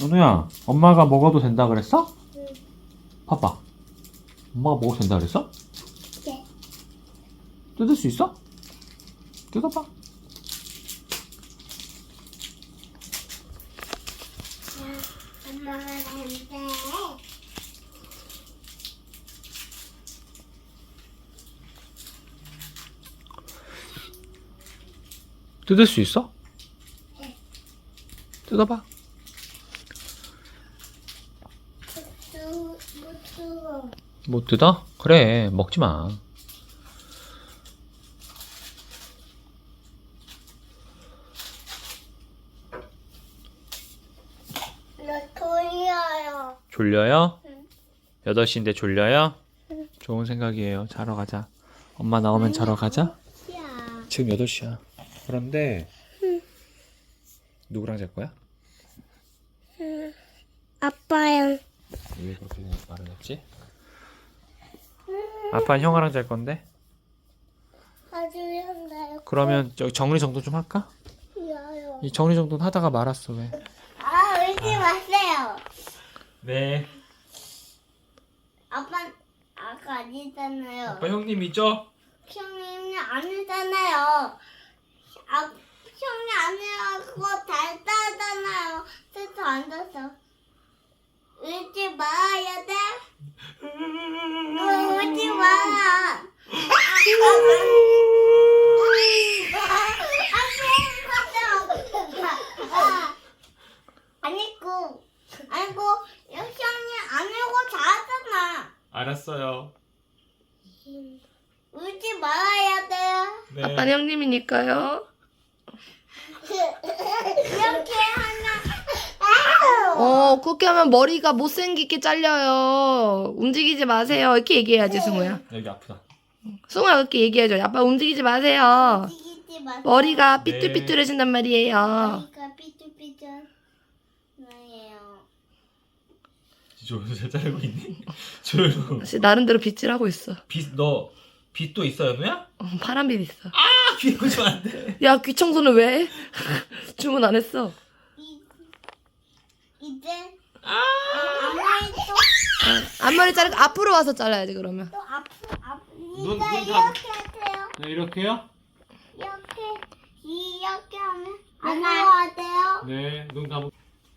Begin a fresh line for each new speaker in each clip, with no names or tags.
은우야, 엄마가 먹어도 된다 그랬어?
응.
봐봐. 엄마가 먹어도 된다 그랬어?
네.
뜯을 수 있어? 뜯어봐.
엄마가 안 돼.
뜯을 수 있어?
네.
뜯어봐.
못 들어.
못 뜯어? 그래, 먹지 마.
나 돌려요.
졸려요?
응.
8시인데 졸려요?
응.
좋은 생각이에요. 자러 가자. 엄마 나오면 자러 가자.
야.
지금 8시야. 그런데
응.
누구랑 잘 거야?
응. 아빠랑.
왜 그렇게 말을 했지? 아빠는 형아랑 잘 건데?
아주 현다요.
그러면 저기 정리정돈 좀 할까?
야요.
이 정리정돈 하다가 말았어 왜?
아, 울지 마세요.
네.
아까 아니잖아요.
아빠 형님이죠?
형님이 아니잖아요. 형이 아니라고 달다잖아요. 그래서 앉아서. 울지 말아야 돼. 울지 마. 아니고 형이 아니고 잘하잖아.
알았어요.
울지 말아야 돼요.
네.
아빠는 형님이니까요.
이렇게 하나.
그렇게 하면 머리가 못생기게 잘려요. 움직이지 마세요. 이렇게 얘기해야지, 승우야.
여기 아프다.
승우야, 그렇게 얘기해줘. 아빠 움직이지 마세요.
움직이지 마세요.
머리가
네.
삐뚤삐뚤해진단 말이에요.
머리가 삐뚤삐뚤 나예요.
조연우 잘 자르고 있니? 조연우.
사실 나름대로 빗질하고 있어.
너 빗도 있어, 연우야?
파란빛 있어.
아, 귀 보시면 안 돼.
야, 귀 청소는 왜 해? 주문 안 했어.
이제 앞머리
앞머리 자르고 앞으로 와서 잘라야지, 그러면.
또 앞으로
눈
이제
감-
이렇게 하세요.
네, 이렇게요?
이렇게 하면 안 나와야 돼요.
네, 눈 감고.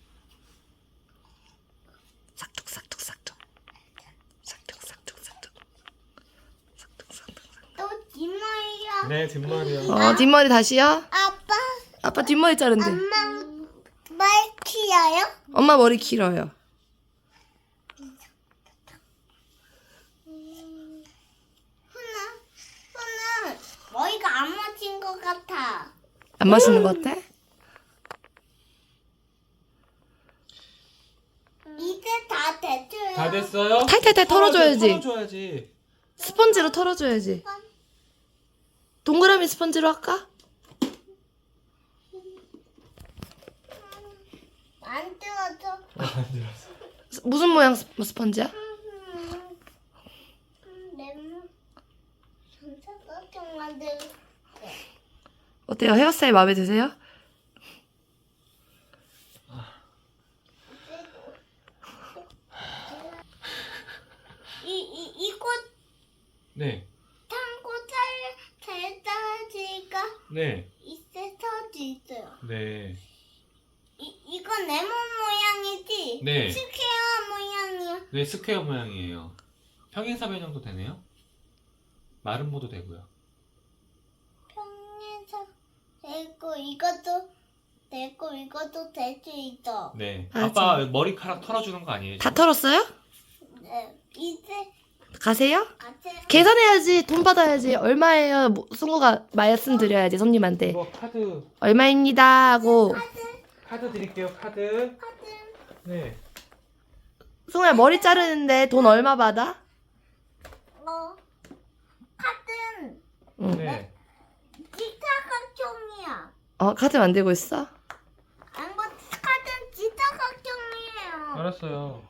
싹둑싹둑싹둑. 싹둑싹둑싹둑. 싹둑싹둑.
또 뒷머리가
네, 뒷머리요.
뒷머리 다시요?
아빠
아빠 뒷머리 자른대.
엄마 말 키워요?
엄마 머리 길어요.
훈은 머리가 안 맞힌 것 같아.
안 맛있는 것 같아?
이제 다 됐어요.
다 됐어요?
탈탈탈 털어줘야지.
털어줘야지.
스펀지로 털어줘야지. 동그라미 스펀지로 할까?
만들어줘.
무슨 모양 스펀지야?
레몬 삼각형 만들고.
어때요? 헤어스타일 마음에 드세요?
이곳
네,
탕고 잘자지가
네,
있을 수도 있어요.
네.
이건 레몬 모양이지?
네.
스퀘어 모양이야.
네, 스퀘어 모양이에요. 평행사변 정도 되네요. 마른 모도 되고요.
평에서 되고 이것도 되고 이것도 될 수 있어.
네.
아,
아빠 머리카락 털어주는 거 아니에요?
다 털었어요?
네, 이제
가세요?
같이
계산해야지. 돈 받아야지. 얼마예요? 승우가 말씀드려야지 손님한테.
이거 카드
얼마입니다 하고.
카드 드릴게요. 카드.
카드
네.
승우야 머리 자르는데 돈 얼마 받아?
카드는
응.
네.
지사각형이야.
카드 만들고 있어?
안고 카드는 지사각형이에요.
알았어요.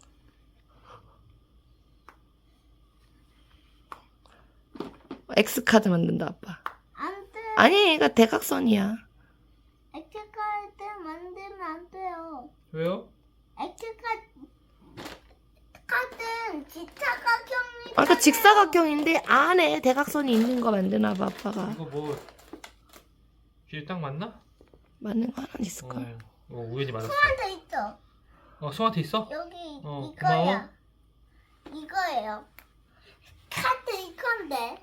X 카드 만든다 아빠.
안 돼.
아니 이거 대각선이야.
엑스카드 만들면 안 돼요.
왜요?
카드는 직사각형이.
아까 직사각형인데 안에 대각선이 있는 거 만드나 봐 아빠가.
이거 뭐 길이 딱 맞나?
맞는 거 하나 있을까?
이거 우연히 맞았어.
하나 있어.
송한테 있어?
여기
고마워.
이거야. 이거예요. 카드 이건데.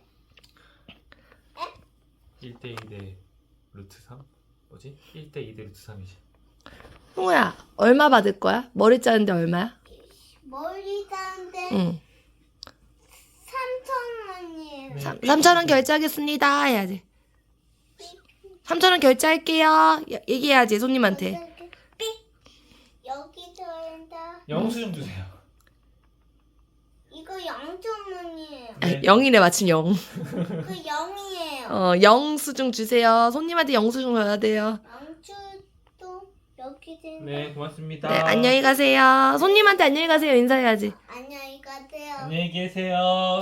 1대 2대 루트 3? 뭐지? 1대 2대 루트 3이지.
승우야 얼마 받을 거야? 머리 자르는데 얼마야?
머리 자는데
응.
3,000원이에요.
네.
3,000원 결제하겠습니다 해야지. 3,000원 결제할게요. 얘기해야지 손님한테.
삑. 여기 들어온다.
영수증 주세요.
이거 0,000원이에요.
네.
0이네 마침 0.
그 0이에요.
영수증 주세요. 손님한테 영수증 줘야 돼요.
양주도 여기 들어온다.
네, 고맙습니다.
네, 안녕히 가세요. 손님한테 안녕히 가세요. 인사해야지.
안녕히 가세요.
안녕히 계세요.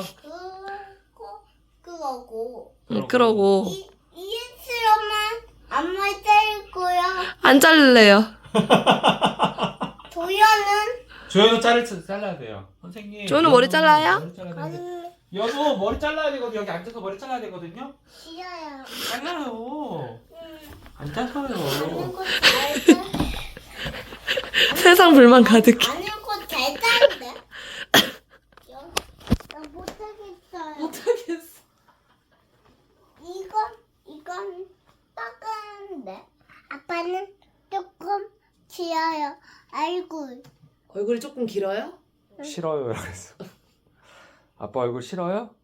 그거고.
그러고
이엔스로만 앞머리 자를 거야.
안 자를래요.
도연은
조연우 잘라야 돼요. 선생님.
조연우 머리 잘라요?
머리 잘라야 되는데.
아니
연우 머리 잘라야 되거든요. 여기 앉아서 머리 잘라야 되거든요.
싫어요.
잘라요. 앉아서요.
아는 거잘 자.
세상 불만 가득해.
아는 거잘 자는데. 나 못하겠어요.
못하겠어.
이건 따가운데. 아빠는 조금 길어요. 얼굴.
얼굴이 조금 길어요?
싫어요. 그랬어. 아빠 얼굴 싫어요?